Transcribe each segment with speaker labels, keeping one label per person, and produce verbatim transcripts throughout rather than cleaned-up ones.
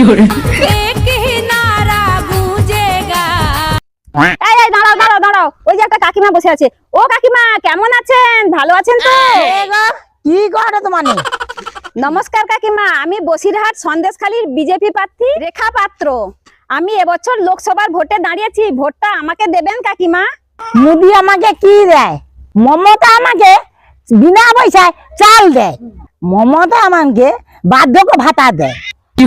Speaker 1: দাঁড়াও দাঁড়াও দাঁড়াও, ওই যে একটা কাকিমা বসে আছে। ও কাকিমা, কেমন আছেন? ভালো আছেন তো?
Speaker 2: কি করে তোমার?
Speaker 1: নমস্কার কাকিমা, আমি বসিরহাট সন্দেশখালীর বিজেপি প্রার্থী রেখা পাত্র। আমি এবছর লোকসভার ভোটে দাঁড়িয়েছি, ভোটটা আমাকে দেবেন কাকিমা?
Speaker 2: মোদি আমাকে কি দেয়? মমতা আমাকে বিনা পয়সায় চাল দেয়, মমতা আমাকে বার্ধক্য ভাতা দেয়।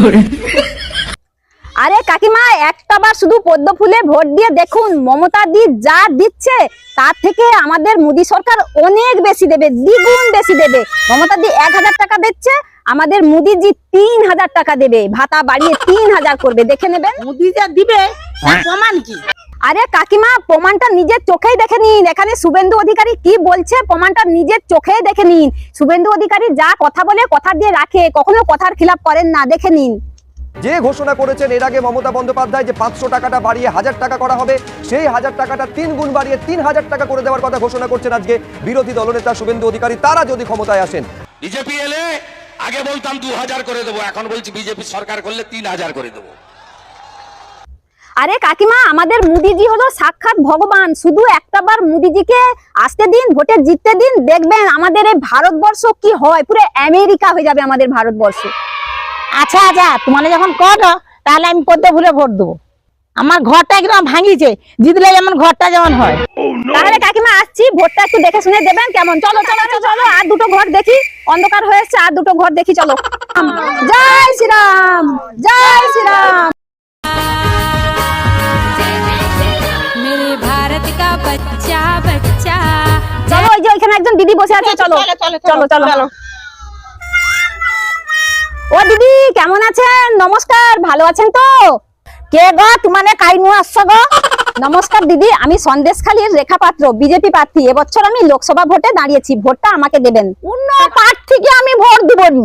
Speaker 1: আরে কাকিমা, একটা বার শুধু পদ্ম ফুলে ভোট দিয়ে দেখুন, মমতা দি যা দিচ্ছে তার থেকে আমাদের মোদী সরকার অনেক বেশি দেবে, দ্বিগুণ বেশি দেবে। মমতা দি এক হাজার টাকা দিচ্ছে, আমাদের মোদিজি তিন হাজার টাকা দেবে, ভাতা বাড়িয়ে তিন হাজার করবে, দেখে নেবেন।
Speaker 2: মোদি যা দিবে প্রমাণ কি?
Speaker 1: আরে কাকিমা, প্রমাণটা নিজের চোখেই দেখে নিন। এখানে শুভেন্দু অধিকারী কি বলছে প্রমাণটা নিজের চোখেই দেখে নিন। শুভেন্দু অধিকারী যা কথা বলে কথা দিয়ে রাখে, কখনো কথার খিলাপ করেন না, দেখে নিন।
Speaker 3: যে ঘোষণা করেছেন এর আগে মমতা বন্দ্যোপাধ্যায় যে পাঁচশো টাকাটা বাড়িয়ে হাজার টাকা করা হবে, সেই হাজার টাকাটা তিন গুণ বাড়িয়ে তিন হাজার টাকা করে দেওয়ার কথা ঘোষণা করছেন আজকে বিরোধী দলনেতা শুভেন্দু অধিকারী। তারা যদি ক্ষমতায় আসেন,
Speaker 4: বিজেপি এলে আগে বলতাম দু হাজার করে দেবো, এখন বলছি বিজেপি সরকার করলে তিন হাজার করে দেবো।
Speaker 1: আরে কাকিমা, আমাদের মোদিজি হলো সাক্ষাৎ ভগবান। শুধু একটা বার মোদিজিকে আসতে দিন, ভোটে জিততে দিন, দেখবেন আমাদের এই ভারতবর্ষ কি হয়, পুরো আমেরিকা হয়ে যাবে আমাদের ভারতবর্ষ।
Speaker 2: আচ্ছা আচ্ছা, তোমার যখন করো তাহলে আমি পদ্ম ফুলে ভোট দেবো। আমার ঘরটা একদম ভাঙিছে, জিতলে যেমন ঘরটা যেমন হয়।
Speaker 1: তাহলে কাকিমা আসছি, ভোটটা একটু দেখে শুনে দেবেন কেমন? চলো চলো চলো চলো, আর দুটো ঘর দেখি, অন্ধকার হয়েছে, আর দুটো ঘর দেখি, চলো। জয় শ্রীরাম, জয় শ্রীরাম।
Speaker 5: मेरे भारत का बच्चा बच्चा।
Speaker 1: চলো, ওই যে ওইখানে একজন দিদি বসে আছে, চলো চলো চলো। ও দিদি, কেমন আছেন? নমস্কার, ভালো আছেন তো?
Speaker 2: কে গো? তোমানে কাইনু আসছো গো?
Speaker 1: নমস্কার দিদি, আমি সন্দেশখালীর রেখা পাত্র, বিজেপি প্রার্থী। এবছর আমি লোকসভা ভোটে দাঁড়িয়েছি, ভোটটা আমাকে দেবেন।
Speaker 2: অন্য প্রার্থীকে আমি ভোট দিব নি।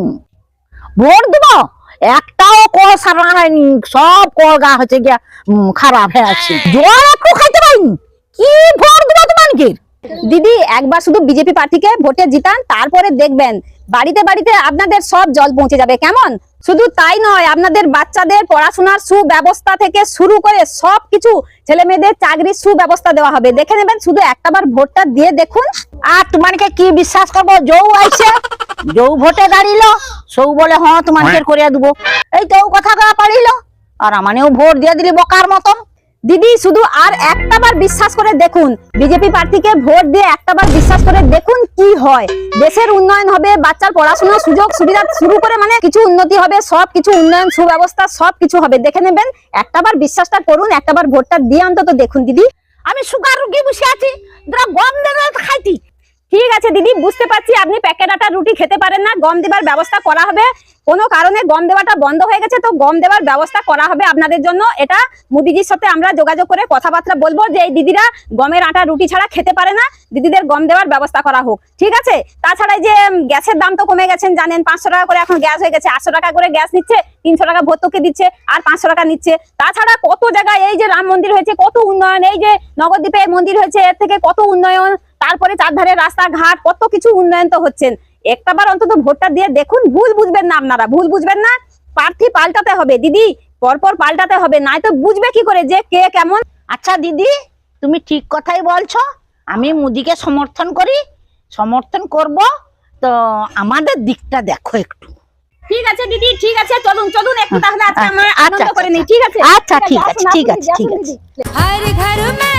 Speaker 2: ভোট দিব? একটাও কল সারা হয়নি, সব কল গা হচ্ছে গিয়া উম, খারাপ হয়ে আছে, জল একটু খাইতে পারিনি। কি ভোট দিব তোমাকে?
Speaker 1: দিদি, একবার শুধু বিজেপি প্রার্থীকে ভোটে জিতান, তারপরে দেখবেন বাড়িতে বাড়িতে আপনাদের সব জল পৌঁছে যাবে, কেমন? শুধু তাই নয়, আপনাদের বাচ্চাদের পড়াশোনার সুব্যবস্থা থেকে শুরু করে সবকিছু, ছেলে মেয়েদের চাকরির সুব্যবস্থা দেওয়া হবে, দেখে নেবেন। শুধু একটাবার ভোটটা দিয়ে দেখুন।
Speaker 2: আর তোমাকে কি বিশ্বাস করবো? যৌ আইছে, যৌ ভোটে দাঁড়িল, সৌ বলে হ্যাঁ তোমাকে করিয়া দিব, এই তো কথা গা পারিল, আর আমানেও ভোট দিয়ে দিলি বোকার মতন।
Speaker 1: দিদি, শুধু আর একটাবার বিশ্বাস করে দেখুন, বিজেপি প্রার্থীকে ভোট দিয়ে একটাবার বিশ্বাস করে দেখুন কি হয়। দেশের উন্নয়ন হবে, বাচ্চার পড়াশোনার সুযোগ সুবিধা শুরু করে মানে কিছু উন্নতি হবে, সব কিছু উন্নয়ন, সুব্যবস্থা সব কিছু হবে, দেখে নেবেন। একটাবার বিশ্বাসটা করুন, একটাবার ভোটটা দিয়ে অন্তত দেখুন। দিদি,
Speaker 2: আমি সুগার রুগী বসে আছি, তোরা গম দেবে খাইতি।
Speaker 1: ঠিক আছে দিদি, বুঝতে পারছি আপনি প্যাকেট আটার রুটি খেতে পারেন না, গম দেবার ব্যবস্থা করা হবে। কোনো কারণে গম দেওয়াটা বন্ধ হয়ে গেছে, তো গম দেওয়ার ব্যবস্থা করা হবে আপনাদের জন্য। এটা মোদিজির সাথে আমরা যোগাযোগ করে কথাবার্তা বলবো যে এই দিদিরা গমের আটা রুটি ছাড়া খেতে পারে না, দিদিদের গম দেওয়ার ব্যবস্থা করা হোক, ঠিক আছে? তাছাড়া যে গ্যাসের দাম তো কমে গেছেন জানেন, পাঁচশো টাকা করে এখন গ্যাস হয়ে গেছে, আটশো টাকা করে গ্যাস নিচ্ছে, তিনশো টাকা ভর্তুকি দিচ্ছে, আর পাঁচশো টাকা নিচ্ছে। তাছাড়া কত জায়গায় এই যে রাম মন্দির হয়েছে, কত উন্নয়ন, এই যে নবদ্বীপে মন্দির হয়েছে, এর থেকে কত উন্নয়ন, তারপরে চারধারে রাস্তাঘাট, কত কিছু উন্নয়ন তো হচ্ছেন। একটাবার অন্তত ভোটটা দিয়ে দেখুন, ভুল বুঝবেন না, আপনারা ভুল বুঝবেন না। প্রার্থী পাল্টাতে হবে দিদি, পরপর পাল্টাতে হবে, নাই তো বুঝবে কি করে যে কে কেমন।
Speaker 2: আচ্ছা দিদি, তুমি ঠিক কথাই বলছো, আমি মোদিকে সমর্থন করি, সমর্থন করব, তো আমাদের দিকটা দেখো একটু।
Speaker 1: ঠিক আছে দিদি, ঠিক আছে, চলুন চলুন একটু তাহলে আজকে আমরা
Speaker 2: আচ্ছা,
Speaker 1: আনন্দ করে নিই,
Speaker 2: আচ্ছা,
Speaker 1: ঠিক আছে?
Speaker 2: আচ্ছা ঠিক আছে ঠিক আছে ঠিক আছে।
Speaker 5: हर घर में